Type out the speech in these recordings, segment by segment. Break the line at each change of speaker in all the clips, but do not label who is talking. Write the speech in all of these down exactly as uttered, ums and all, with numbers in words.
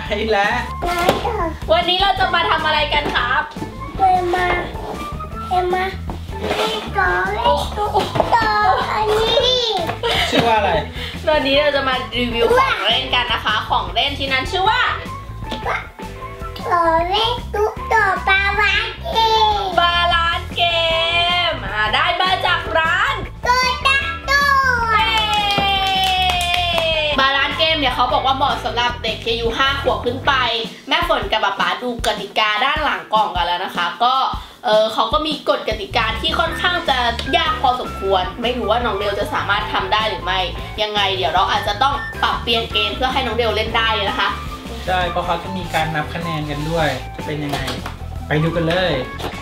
แล้ว
วันนี้เราจะมาทำอะไรกันครับ
เอ็มมาเอ็มมาเล่นก่อนเล่นต่ออันนี้
ชื่อว่าอะไร
วันนี้เราจะมารีวิวของเล่นกันนะคะของเล่นที่นั้นชื่อว่า
ต่อเล่นตุ๊กต่อบาลานเกม
บาลานเกมได้มาจากร้าน
ตัวตั้งตัว
บาลานเกมเนี่ยเขาบอกว่าเหมาะสำหรับเด็กที่อายุห้าขวบขึ้นไปแม่ฝนกับป๊าป๊าดูกติกาด้านหลังกล่องกันแล้วนะคะก็เออเขาก็มีกฎกติกาที่ค่อนข้างจะยากพอสมควรไม่รู้ว่าน้องเดลจะสามารถทำได้หรือไม่ยังไงเดี๋ยวเราอาจจะต้องปรับเปลี่ยนเกมเพื่อให้น้องเดลเล่นได้นะคะ
ใช่เพราะเขาจะมีการนับคะแนนกันด้วยจะเป็นยังไงไปดูกันเลย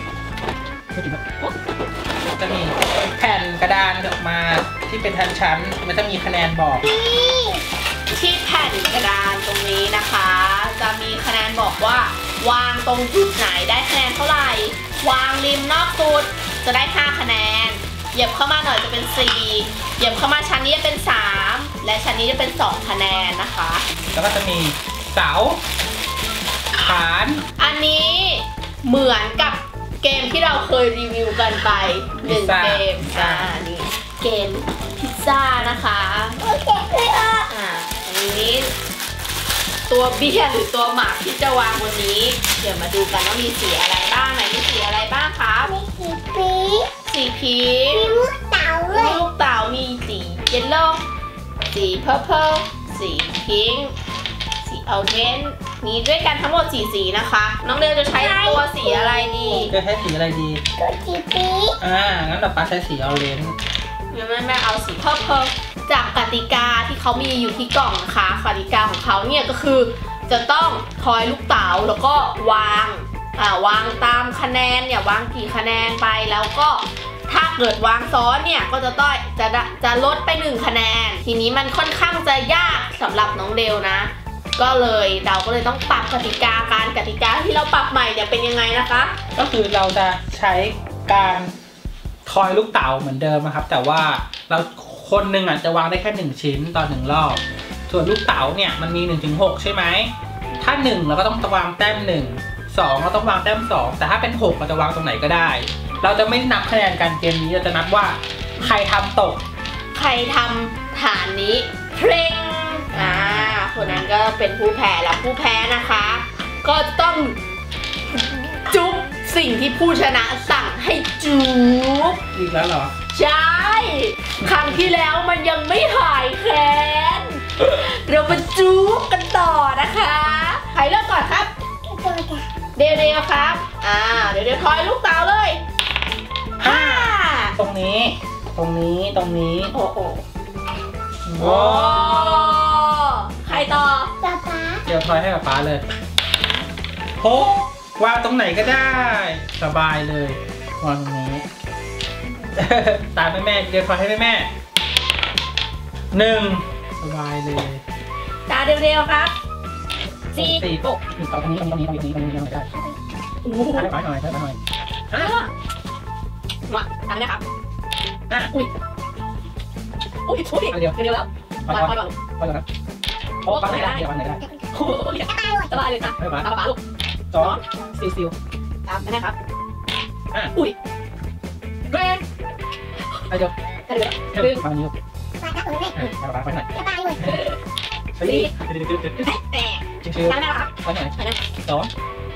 จะมีแผ่นกระดานออกมาที่เป็นชั้นๆมันจะมีคะแนนบอก
ที่แผ่นกระดานตรงนี้นะคะจะมีคะแนนบอกว่าวางตรงจุดไหนได้คะแนนเท่าไหร่วางริมนอกจุดจะได้ห้าคะแนนเหยียบเข้ามาหน่อยจะเป็นสี่เหยียบเข้ามาชั้นนี้จะเป็นสามและชั้นนี้จะเป็นสองคะแนนนะคะ
แล้วก็จะมีเสาฐาน
อันนี้เหมือนกับเกมที่เราเคยรีวิวกันไปหนึ่งเกมอ่านี่เกมพิซซ่านะคะ
โอเคเลยอ่ะ
อ่าอันนี้ตัวเบี้ยหรือตัวหมากที่จะวางวันนี้เดี๋ยวมาดูกันว่ามีสีอะไรบ้างไหนมีสีอะไรบ้างคะ
มีสีพี
สีพี
มีลูกเต๋า
ด้วยลูกเต๋ามีสีเยลโล่สีเพอร์เพลสีพิงค์สีออเรนจ์มีด้วยกันทั้งหมดสี่สีนะคะน้องเดลจะใช้ตัวสีอะไรดี
จะใช้สีอะไรดี
ตัวสีพี
อ่างั้นเราป้าใช้สีออเรนจ์
แม่แม่เอาสีเพอร์เพลจากกติกาที่เขามีอยู่ที่กล่องนะคะกติกาของเขาเนี่ยก็คือจะต้องทอยลูกเต๋าแล้วก็วางอ่าวางตามคะแนนเนี่ยวางกี่คะแนนไปแล้วก็ถ้าเกิดวางซ้อนเนี่ยก็จะต้องจะจะลดไปหนึ่งคะแนนทีนี้มันค่อนข้างจะยากสำหรับน้องเดลนะก็เลยเราก็เลยต้องปรับกติกาการกติกาที่เราปรับใหม่เนี่ยเป็นยังไงนะคะ
ก็คือเราจะใช้การทอยลูกเต๋าเหมือนเดิมนะครับแต่ว่าเราคนหนึ่งอ่ะจะวางได้แค่หนึ่งชิ้นต่อหนึ่งรอบส่วนลูกเต๋าเนี่ยมันมีหนึ่งถึงหกใช่ไหมถ้าหนึ่งเราก็ต้องวางแต้มหนึ่งสองเราต้องวางแต้มสองแต่ถ้าเป็นหกเราจะวางตรงไหนก็ได้เราจะไม่นับคะแนนการเกมนี้เราจะนับว่าใครทำตก
ใครทำฐานนี้เพลงอ่าคนนั้นก็เป็นผู้แพ้แล้วผู้แพ้นะคะก็ต้องจุ๊บสิ่งที่ผู้ชนะสั่งให้จุ๊บ
อีกแล้วเหรอ
ใช่ครั้งที่แล้วมันยังไม่หายแค้นเรามาจุ๊บกันต่อนะคะใครเริ่มก่อนครับเดวเดวครับอ่าเดี๋ยวเดี๋ยวทอยลูกเต๋าเลยห้า
ตรงนี้ตรงนี้ตรงนี้
โอ้โหโอ้ใครต่อ
ป๊าป๊า
เดี๋ยวทอยให้ป๊าป๊าเลยหกวางตรงไหนก็ได้สบายเลยวางตรงนี้ตามแม่แม่เดี๋ยวทอยให้แม่แม่หนึ่งสบายเลย
ตาเร็วๆครับสี่
สี่ปุ๊บตรงนี้ตรงนี้ตรงนี้ตรงนี้ตรงนี้ได้โอ้โหให้ป๊าหน่อยให้ป๊าหน่อย
อ่ะมาทำนะครับ
อ่ะ
อุ้ยอุ้ยอุ้ยเดี๋ยวเดี๋ยวแล้ว
ปล่อยก่อนปล่อยก่อนนะโอ้ป๊าไหนได้เดี๋ยวป๊าไหนได้
โอ้ยสบายเลยค่ะตามป๊าลูก
สองซิลซิล
ตามนะครับ
อ่ะ
อุ้ยแรง
ไปเดี๋ยว
เดี๋ยว
เดี๋ยวฟังนิ้ว
ปากกระตุ้นเลย
ปากไปหน่อย
ปากเลย
สี่เดี๋ยวเดี๋ยวเดี๋ยวเดี๋ยวชิวชิว
ตามนะครับ
ไปหน่อยสอง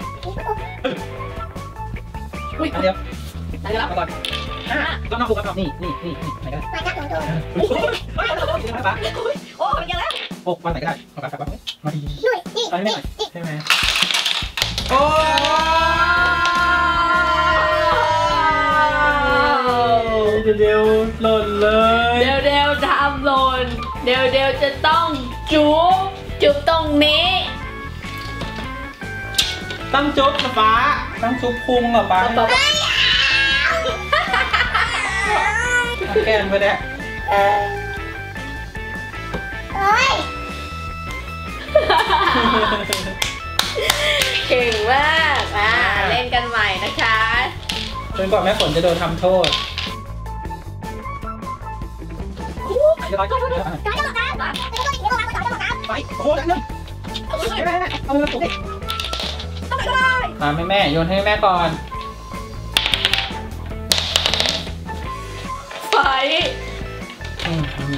อุ้ย
เดี๋ยว
ตามแล้ว
ก่อนอ่ะต้องนอกคุกครับนี่นี่นี่นี่ไหนก็ได้
ปากกระตุ้นโดน
โอ้ย
โอ้เป็นยังไง
โอ้วันไหนก็ได้มาปากปากมาดี
ด้วยนี่
ไปไม่หน่อยใช่ไหมโอ้เดี๋ยวเดี๋ยวหล่นเลย
เดี๋ยวเดี๋ยวทำหล่นเดี๋ยวเดี๋ยวจะต้องจุ๊บจุ๊บตรงนี้
ตั้งจุ๊บนะฟ้าตั้งจุ๊บพุงเหรอฟ้าแก้มไปแล้ว
โอ้ย
เก่งมากอ่าเล่นกันใหม่นะคะ
จนกว่าแม่ฝนจะโดนทำโทษไปโอ้โหดังนึงเอามือถูก
ต้องได้
มาแม่แม่โยนให้แม่ก่อน
ไฟ
อืมมี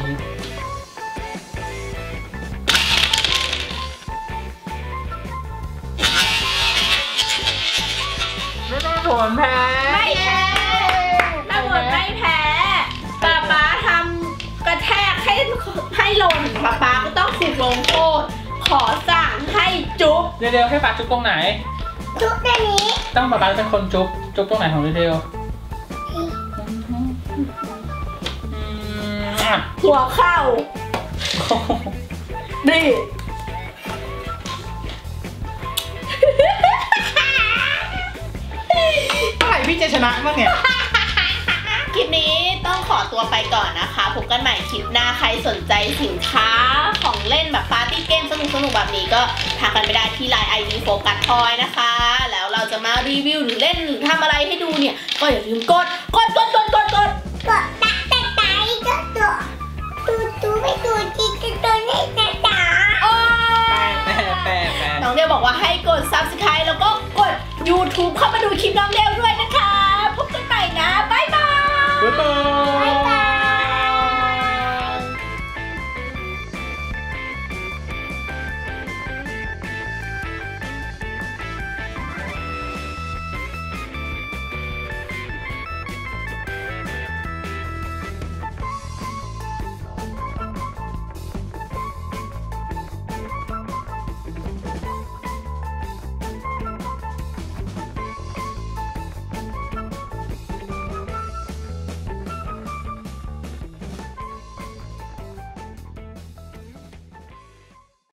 ไม่ได้ผลแพ้
ไม่แพ้แม่หมดไม่แพ้ป๊าป๊าทำกระแทกให้ให้หล่นป๊าป๊าก็ต้องถูกลงโทษขอสั่งให้จุ๊บ
เร็วๆให้ปาจุ๊บตรงไหน
จุ๊บตัวนี้
ต้องปาปาเป็นคนจุ๊บจุ๊บตรงไหนของเร็วๆอืมอ่ะ
หัวเข่าดิ
ใครพี่จะชนะบ้างเนี่ย
คลิปนี้ต้องขอตัวไปก่อนนะคะพบกันใหม่คลิปหน้าใครสนใจสินค้าของเล่นแบบปาร์ตี้เกมสนุกๆแบบนี้ก็ทักกันไปได้ที่ ไลน์ ไอ ดี โฟกัสทอยนะคะ แล้วเราจะมารีวิวหรือเล่นหรือทำอะไรให้ดูเนี่ยก็อย่าลืมกดกดกดกดกดกด
กดตะตะไตก็ตัวตูตูไม่ตูจีก็ตัวนี้ตะตา
โอ้
แปะแปะแปะ
น้องเดียบอกว่าให้กด ซับสไครบ์ แล้วก็กด ยูทูบ เข้ามาดูคลิปน้องเดีย